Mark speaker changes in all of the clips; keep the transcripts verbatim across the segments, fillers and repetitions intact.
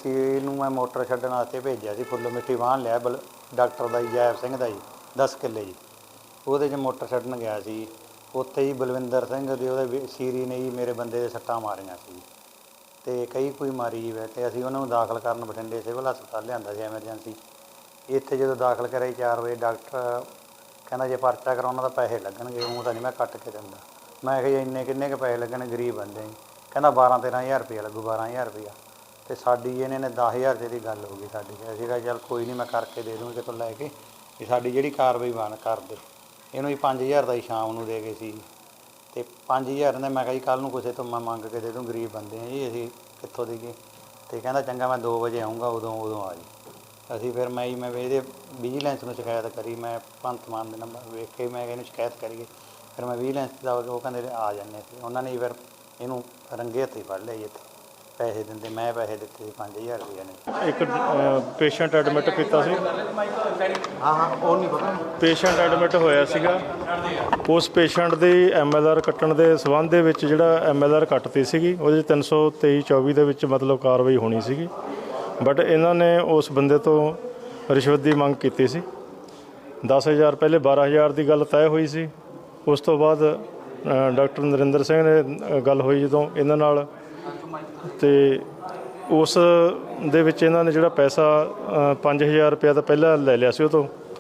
Speaker 1: ਬੱਚੀ ਨੂੰ ਮੈਂ ਮੋਟਰ ਛੱਡਣ ਵਾਸਤੇ ਭੇਜਿਆ ਸੀ। ਫੁੱਲ ਮਿੱਟੀ ਵਾਹਣ ਲਿਆ ਬਲ ਡਾਕਟਰ ਦਾ ਜੀ ਜੈਬ ਸਿੰਘ ਦਾ ਜੀ ਦਸ ਕਿੱਲੇ ਜੀ। ਉਹਦੇ 'ਚ ਮੋਟਰ ਛੱਡਣ ਗਿਆ ਸੀ। ਉੱਥੇ ਹੀ ਬਲਵਿੰਦਰ ਸਿੰਘ ਦੇ ਉਹਦੇ ਸੀਰੀ ਨੇ ਜੀ ਮੇਰੇ ਬੰਦੇ ਦੇ ਸੱਟਾਂ ਮਾਰੀਆਂ ਸੀ ਅਤੇ ਕਈ ਕੋਈ ਮਾਰੀ ਜੀ ਵੈ ਅਤੇ ਅਸੀਂ ਉਹਨਾਂ ਨੂੰ ਦਾਖਲ ਕਰਨ ਬਠਿੰਡੇ ਸਿਵਲ ਹਸਪਤਾਲ ਲਿਆਂਦਾ ਸੀ ਐਮਰਜੈਂਸੀ। ਇੱਥੇ ਜਦੋਂ ਦਾਖਲ ਕਰਿਆ ਚਾਰ ਵਜੇ ਡਾਕਟਰ ਕਹਿੰਦਾ ਜੇ ਪਰਚਾ ਕਰਾਉਣਾ ਤਾਂ ਪੈਸੇ ਲੱਗਣਗੇ, ਉਹ ਤਾਂ ਨਹੀਂ ਮੈਂ ਕੱਟ ਕੇ ਦਿੰਦਾ। ਮੈਂ ਕਿਹਾ ਜੀ ਇੰਨੇ ਕਿੰਨੇ ਕੁ ਪੈਸੇ ਲੱਗਣੇ, ਗਰੀਬ ਬੰਦੇ ਜੀ। ਕਹਿੰਦਾ ਬਾਰਾਂ ਤੇਰਾਂ ਹਜ਼ਾਰ ਰੁਪਇਆ ਲੱਗੂ, ਬਾਰਾਂ ਹਜ਼ਾਰ ਰੁਪਇਆ। ਅਤੇ ਸਾਡੀ ਇਹਨੇ ਨੇ ਦਸ ਹਜ਼ਾਰ ਰੁਪਏ ਦੀ ਗੱਲ ਹੋ ਗਈ ਸਾਡੀ। ਅਸੀਂ ਕਿਹਾ ਚੱਲ ਕੋਈ ਨਹੀਂ ਮੈਂ ਕਰਕੇ ਦੇ ਦੂੰਗੀ ਕਿਤੋਂ ਲੈ ਕੇ, ਵੀ ਸਾਡੀ ਜਿਹੜੀ ਕਾਰਵਾਈ ਬਣ ਕਰ ਦੇ। ਇਹਨੂੰ ਜੀ ਪੰਜ ਹਜ਼ਾਰ ਦਾ ਹੀ ਸ਼ਾਮ ਨੂੰ ਦੇ ਗਏ ਸੀ ਅਤੇ ਪੰਜ ਹਜ਼ਾਰ ਨੇ ਮੈਂ ਕਿਹਾ ਜੀ ਕੱਲ੍ਹ ਨੂੰ ਕਿਸੇ ਤੋਂ ਮੈਂ ਮੰਗ ਕੇ ਦੇ ਦੂੰ, ਗਰੀਬ ਬੰਦੇ ਹਾਂ ਜੀ ਅਸੀਂ ਕਿੱਥੋਂ ਦੇਈਏ। ਅਤੇ ਕਹਿੰਦਾ ਚੰਗਾ ਮੈਂ ਦੋ ਵਜੇ ਆਊਂਗਾ, ਉਦੋਂ ਉਦੋਂ ਆ ਜੀ। ਅਸੀਂ ਫਿਰ ਮੈਂ ਜੀ ਮੈਂ ਇਹਦੇ ਵਿਜੀਲੈਂਸ ਨੂੰ ਸ਼ਿਕਾਇਤ ਕਰੀ, ਮੈਂ ਭਗਵੰਤ ਮਾਨ ਦੇ ਨੰਬਰ ਵੇਖ ਕੇ ਮੈਂ ਇਹਨੂੰ ਸ਼ਿਕਾਇਤ ਕਰੀਏ। ਫਿਰ ਮੈਂ ਵਿਜੀਲੈਂਸ ਦਾ ਉਹ ਕਹਿੰਦੇ ਆ ਜਾਂਦੇ ਸੀ। ਉਹਨਾਂ ਨੇ ਫਿਰ ਇਹਨੂੰ ਰੰਗੇ ਹੱਥੀਂ ਫੜ ਲਿਆ ਜੀ। ਇੱਥੇ ਪੈਸੇ ਦਿੰਦੇ, ਮੈਂ ਪੈਸੇ ਦਿੱਤੇ ਸੀ ਪੰਜ ਹਜ਼ਾਰ ਰੁਪਏ ਨੇ।
Speaker 2: ਇੱਕ ਪੇਸ਼ੈਂਟ ਐਡਮਿਟ ਕੀਤਾ ਸੀ।
Speaker 1: ਹਾਂ ਹਾਂ ਉਹ ਨਹੀਂ ਪਤਾ।
Speaker 2: ਪੇਸ਼ੈਂਟ ਐਡਮਿਟ ਹੋਇਆ ਸੀਗਾ। ਉਸ ਪੇਸ਼ੈਂਟ ਦੀ ਐਮ ਐਲ ਆਰ ਕੱਟਣ ਦੇ ਸੰਬੰਧ ਦੇ ਵਿੱਚ ਜਿਹੜਾ ਐਮ ਐਲ ਆਰ ਕੱਟਤੀ ਸੀਗੀ, ਉਹਦੇ ਤਿੰਨ ਸੌ ਤੇਈ ਚੌਵੀ ਦੇ ਵਿੱਚ ਮਤਲਬ ਕਾਰਵਾਈ ਹੋਣੀ ਸੀਗੀ। ਬਟ ਇਹਨਾਂ ਨੇ ਉਸ ਬੰਦੇ ਤੋਂ ਰਿਸ਼ਵਤ ਦੀ ਮੰਗ ਕੀਤੀ ਸੀ। ਦਸ ਹਜ਼ਾਰ ਪਹਿਲੇ ਬਾਰਾਂ ਹਜ਼ਾਰ ਦੀ ਗੱਲ ਤੈਅ ਹੋਈ ਸੀ। ਉਸ ਤੋਂ ਬਾਅਦ ਡਾਕਟਰ ਨਰਿੰਦਰ ਸਿੰਘ ਨੇ ਗੱਲ ਹੋਈ ਜਦੋਂ ਇਹਨਾਂ ਨਾਲ, ਅਤੇ ਉਸ ਦੇ ਵਿੱਚ ਇਹਨਾਂ ਨੇ ਜਿਹੜਾ ਪੈਸਾ ਪੰਜ ਹਜ਼ਾਰ ਰੁਪਇਆ ਤਾਂ ਪਹਿਲਾਂ ਲੈ ਲਿਆ ਸੀ ਉਹ ਤੋਂ,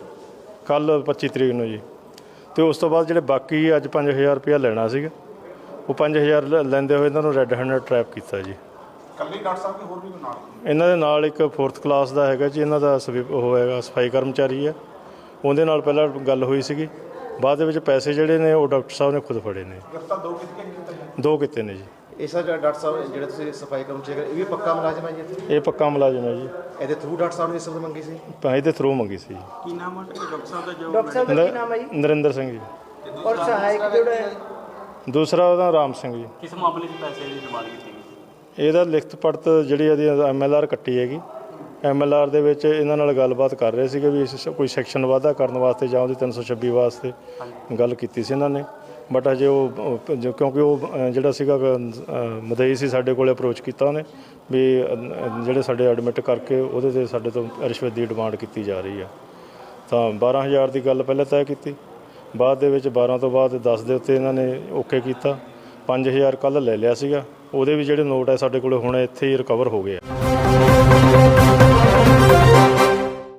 Speaker 2: ਕੱਲ੍ਹ ਪੱਚੀ ਤਰੀਕ ਨੂੰ ਜੀ। ਅਤੇ ਉਸ ਤੋਂ ਬਾਅਦ ਜਿਹੜੇ ਬਾਕੀ ਅੱਜ ਪੰਜ ਹਜ਼ਾਰ ਰੁਪਇਆ ਲੈਣਾ ਸੀਗਾ, ਉਹ ਪੰਜ ਹਜ਼ਾਰ ਲੈਂਦੇ ਹੋਏ ਇਹਨਾਂ ਨੂੰ ਰੈੱਡ ਹੈਂਡਡ ਟਰੈਪ ਕੀਤਾ ਜੀ।
Speaker 3: ਕੱਲੀ ਡਾਕਟਰ ਸਾਹਿਬ ਕੀ ਹੋਰ ਵੀ ਨਾਲ?
Speaker 2: ਇਹਨਾਂ ਦੇ ਨਾਲ ਇੱਕ ਫੋਰਥ ਕਲਾਸ ਦਾ ਹੈਗਾ ਜੀ, ਇਹਨਾਂ ਦਾ ਸਵੀ ਉਹ ਹੈਗਾ ਸਫਾਈ ਕਰਮਚਾਰੀ ਹੈ, ਉਹਦੇ ਨਾਲ ਪਹਿਲਾਂ ਗੱਲ ਹੋਈ ਸੀਗੀ। ਬਾਅਦ ਦੇ ਵਿੱਚ ਪੈਸੇ ਜਿਹੜੇ ਨੇ ਉਹ ਡਾਕਟਰ ਸਾਹਿਬ ਨੇ ਖੁਦ ਫੜੇ ਨੇ।
Speaker 3: ਗ੍ਰਿਫਤਾਰ ਦੋ ਕਿਤੇ
Speaker 2: ਦੋ ਕੀਤੇ ਨੇ ਜੀ।
Speaker 4: ਇਹ ਸਰ ਡਾਕਟਰ ਸਾਹਿਬ ਜਿਹੜੇ ਤੁਸੀਂ ਸਫਾਈ ਕਰਮਚਾਰੀ ਇਹ ਵੀ ਪੱਕਾ ਮੁਲਾਜ਼ਮ ਹੈ ਜੀ ਇੱਥੇ?
Speaker 2: ਇਹ ਪੱਕਾ ਮੁਲਾਜ਼ਮ ਹੈ ਜੀ।
Speaker 4: ਇਹਦੇ ਥਰੂ ਡਾਕਟਰ ਸਾਹਿਬ ਨੇ ਰਿਸ਼ਵਤ ਮੰਗੀ ਸੀ?
Speaker 2: ਤਾਂ ਇਹਦੇ ਥਰੂ ਮੰਗੀ ਸੀ ਜੀ।
Speaker 5: ਕੀ ਨਾਮ ਹੈ ਡਾਕਟਰ ਸਾਹਿਬ ਦਾ? ਜੋ
Speaker 6: ਡਾਕਟਰ ਸਾਹਿਬ ਦਾ ਕੀ ਨਾਮ ਹੈ ਜੀ?
Speaker 2: ਨਰਿੰਦਰ ਸਿੰਘ ਜੀ।
Speaker 6: ਔਰ ਸਹਾਇਕ ਜਿਹੜਾ ਹੈ
Speaker 2: ਦੂਸਰਾ ਉਹਦਾ ਰਾਮ ਸਿੰਘ ਜੀ।
Speaker 5: ਕਿਸ ਮਾਮਲੇ 'ਚ ਪੈਸੇ ਦੀ ਡਿਮਾਂਡ ਕੀਤੀ ਗਈ?
Speaker 2: ਇਹਦਾ ਲਿਖਤ ਪੜਤ ਜਿਹੜੀ ਇਹਦੀ ਐਮ ਐਲ ਆਰ ਕੱਟੀ ਹੈਗੀ। ਐਮ ਐਲ ਆਰ ਦੇ ਵਿੱਚ ਇਹਨਾਂ ਨਾਲ ਗੱਲਬਾਤ ਕਰ ਰਹੇ ਸੀਗੇ ਵੀ ਕੋਈ ਸੈਕਸ਼ਨ ਵਾਧਾ ਕਰਨ ਵਾਸਤੇ ਜਾਂ ਉਹਦੀ ਤਿੰਨ ਸੌ ਛੱਬੀ ਵਾਸਤੇ ਗੱਲ ਕੀਤੀ ਸੀ ਇਹਨਾਂ ਨੇ। ਬਟ ਅਜੇ ਉਹ ਕਿਉਂਕਿ ਉਹ ਜਿਹੜਾ ਸੀਗਾ ਮਦਈ ਸੀ ਸਾਡੇ ਕੋਲ ਅਪਰੋਚ ਕੀਤਾ ਉਹਨੇ ਵੀ ਜਿਹੜੇ ਸਾਡੇ ਐਡਮਿਟ ਕਰਕੇ ਉਹਦੇ 'ਤੇ ਸਾਡੇ ਤੋਂ ਰਿਸ਼ਵਤ ਦੀ ਡਿਮਾਂਡ ਕੀਤੀ ਜਾ ਰਹੀ ਆ। ਤਾਂ ਬਾਰਾਂ ਹਜ਼ਾਰ ਦੀ ਗੱਲ ਪਹਿਲਾਂ ਤੈਅ ਕੀਤੀ, ਬਾਅਦ ਦੇ ਵਿੱਚ ਬਾਰਾਂ ਤੋਂ ਬਾਅਦ ਦਸ ਦੇ ਉੱਤੇ ਇਹਨਾਂ ਨੇ ਓਕੇ ਕੀਤਾ। ਪੰਜ ਹਜ਼ਾਰ ਕੱਲ੍ਹ ਲੈ ਲਿਆ ਸੀਗਾ, ਉਹਦੇ ਵੀ ਜਿਹੜੇ ਨੋਟ ਹੈ ਸਾਡੇ ਕੋਲ ਹੁਣ ਇੱਥੇ ਹੀ ਰਿਕਵਰ ਹੋ ਗਏ ਆ।